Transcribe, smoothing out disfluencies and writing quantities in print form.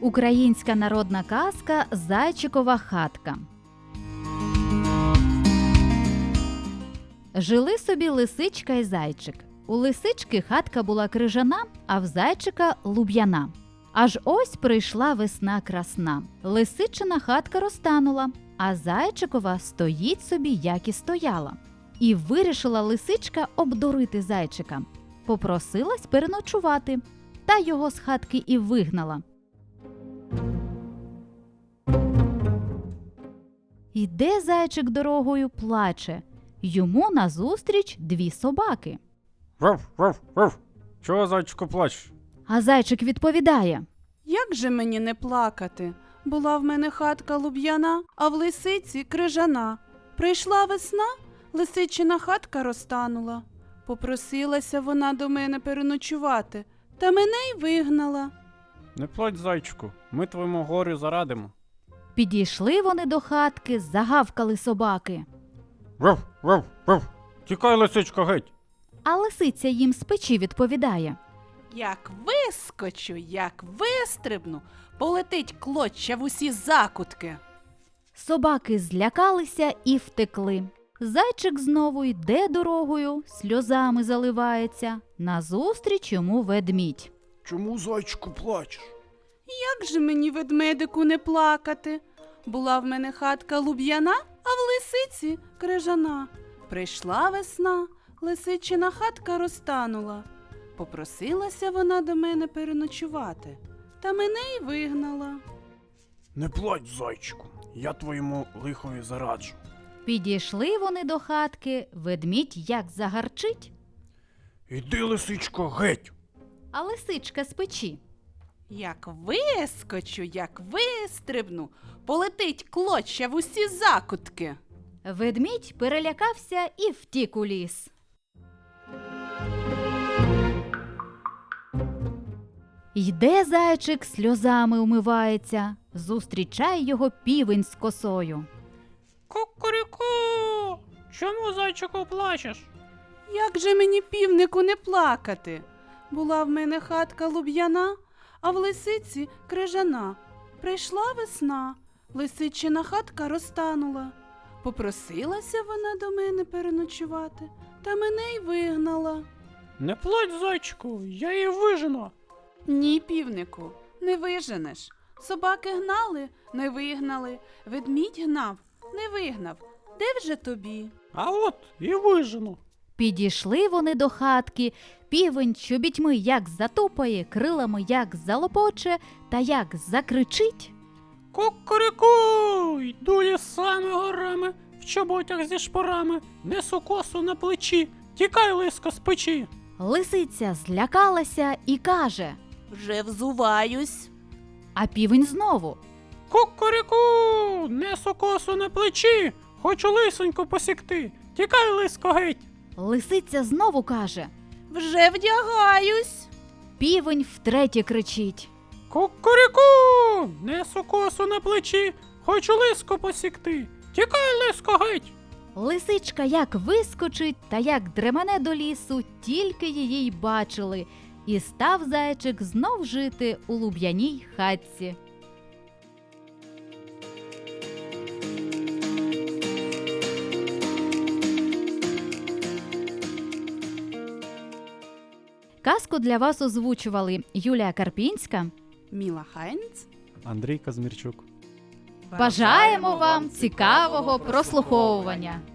Українська народна казка «Зайчикова хатка». Жили собі лисичка і зайчик. У лисички хатка була крижана, а в зайчика – луб'яна. Аж ось прийшла весна красна. Лисичина хатка розтанула, а зайчикова стоїть собі, як і стояла. І вирішила лисичка обдурити зайчика. Попросилась переночувати, та його з хатки і вигнала. Іде зайчик дорогою, плаче. Йому назустріч дві собаки. Вов, вов, вов. Чого, зайчику, плачеш? А зайчик відповідає: Як же мені не плакати? Була в мене хатка луб'яна, а в лисиці крижана. Прийшла весна, лисичина хатка розтанула. Попросилася вона до мене переночувати, та мене й вигнала. Не плач, зайчику, ми твоєму горю зарадимо. Підійшли вони до хатки, загавкали собаки. Вов, вов, вов. Тікай, лисичко, геть. А лисиця їм з печі відповідає: Як вискочу, як вистрибну, полетить клоча в усі закутки. Собаки злякалися і втекли. Зайчик знову йде дорогою, сльозами заливається. Назустріч йому ведмідь. Чому, зайчику, плачеш? Як же мені, ведмедику, не плакати? Була в мене хатка луб'яна, а в лисиці крижана. Прийшла весна, лисичина хатка розтанула. Попросилася вона до мене переночувати, та мене й вигнала. Не плач, зайчику, я твоєму лихові зараджу. Підійшли вони до хатки, ведмідь як загарчить, Іди, лисичко, геть. а лисичка з печі. Як вискочу, як вистрибну, полетить клоча в усі закутки. Ведмідь перелякався і втік у ліс. Йде зайчик, сльозами умивається, зустрічає його півень з косою. Кукуріку! Чому, зайчику, плачеш? Як же мені, півнику, не плакати? Була в мене хатка луб'яна, а в лисиці крижана. Прийшла весна, лисичина хатка розтанула. Попросилася вона до мене переночувати, та мене й вигнала. Не плач, зайчику, я її вижену. Ні, півнику, не виженеш. Собаки гнали, не вигнали. Ведмідь гнав, не вигнав. Де вже тобі? А от і вижену. Підійшли вони до хатки, півень чобітьми як затупає, крилами як залопоче та як закричить. Кукуріку! Йду лісами горами, в чоботях зі шпорами, несу косу на плечі, тікай, лиско, з печі. Лисиця злякалася і каже, Вже взуваюсь. а півень знову. Кукуріку! Несу косу на плечі, хочу лисоньку посікти, тікай, лиско, геть. Лисиця знову каже, Вже вдягаюсь. півень втретє кричить. Кукуріку! Несу косу на плечі, хочу лиско посікти, тікай, лиско, геть. Лисичка як вискочить та як дремене до лісу, тільки її й бачили, і став зайчик знов жити у луб'яній хатці. Казку для вас озвучували Юлія Карпінська. Міла Хайнц. Андрій Казмірчук. Бажаємо вам цікавого прослуховування!